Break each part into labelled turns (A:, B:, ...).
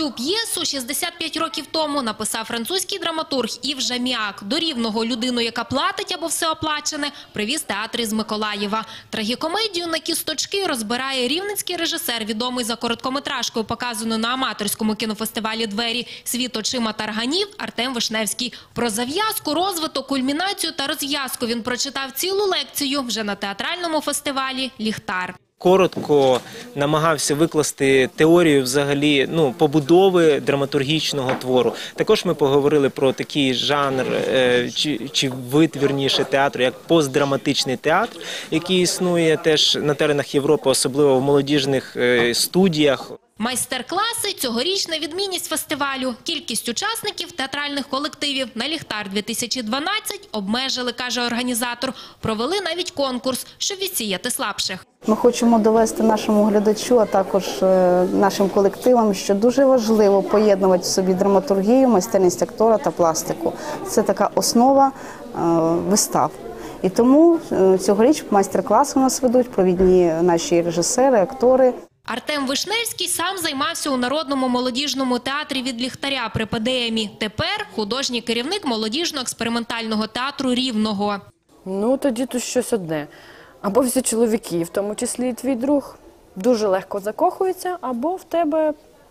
A: Цю п'єсу 65 років тому написав французький драматург Ів Жаміак. До Рівного людину, яка платить або все оплачене, привіз театр із Миколаєва. Трагікомедію на кісточки розбирає рівненський режисер, відомий за короткометражкою, показаною на аматорському кінофестивалі «Двері. Світ очима тарганів» Артем Вишневський. Про зав'язку, розвиток, кульмінацію та розв'язку він прочитав цілу лекцію вже на театральному фестивалі «Ліхтар».
B: Коротко намагався викласти теорію взагалі побудови драматургічного твору. Також ми поговорили про такий жанр чи вид, вірніше, театру, як постдраматичний театр, який існує теж на теренах Європи, особливо в молодіжних студіях.
A: Майстер-класи – цьогорічна відмінність фестивалю. Кількість учасників театральних колективів на «Ліхтар-2012» обмежили, каже організатор. Провели навіть конкурс, щоб відсіяти слабших.
C: Ми хочемо довести нашому глядачу, а також нашим колективам, що дуже важливо поєднувати в собі драматургію, майстерність актора та пластику. Це така основа вистав. І тому цьогоріч майстер-класи у нас ведуть провідні наші режисери, актори.
A: Артем Вишневський сам займався у Народному молодіжному театрі від Ліхтаря при ПДМі. Тепер художній керівник молодіжно-експериментального театру Рівного.
D: Ну, тоді тут щось одне. Або всі чоловіки, в тому числі і твій друг, дуже легко закохуються, або в тебе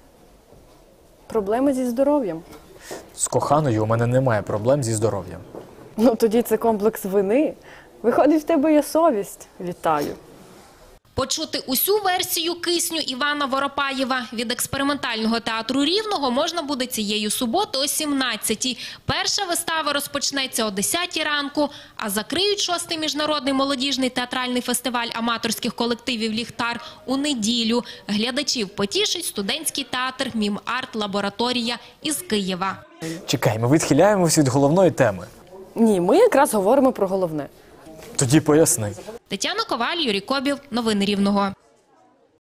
D: проблеми зі здоров'ям.
E: З коханою у мене немає проблем зі здоров'ям.
D: Ну, тоді це комплекс вини. Виходить, в тебе є совість. Вітаю.
A: Почути усю версію «Кисню» Івана Воропаєва від експериментального театру Рівного можна буде цієї суботи о 17-й. Перша вистава розпочнеться о 10-й ранку, а закриють 6-й міжнародний молодіжний театральний фестиваль аматорських колективів «Ліхтар» у неділю. Глядачів потішить студентський театр «Мім-арт-лабораторія» із Києва.
E: Чекай, ми відхиляємося від головної теми.
D: Ні, ми якраз говоримо про головне.
E: Тоді поясни.
A: Тетяна Коваль, Юрій Кобів. Новини Рівного.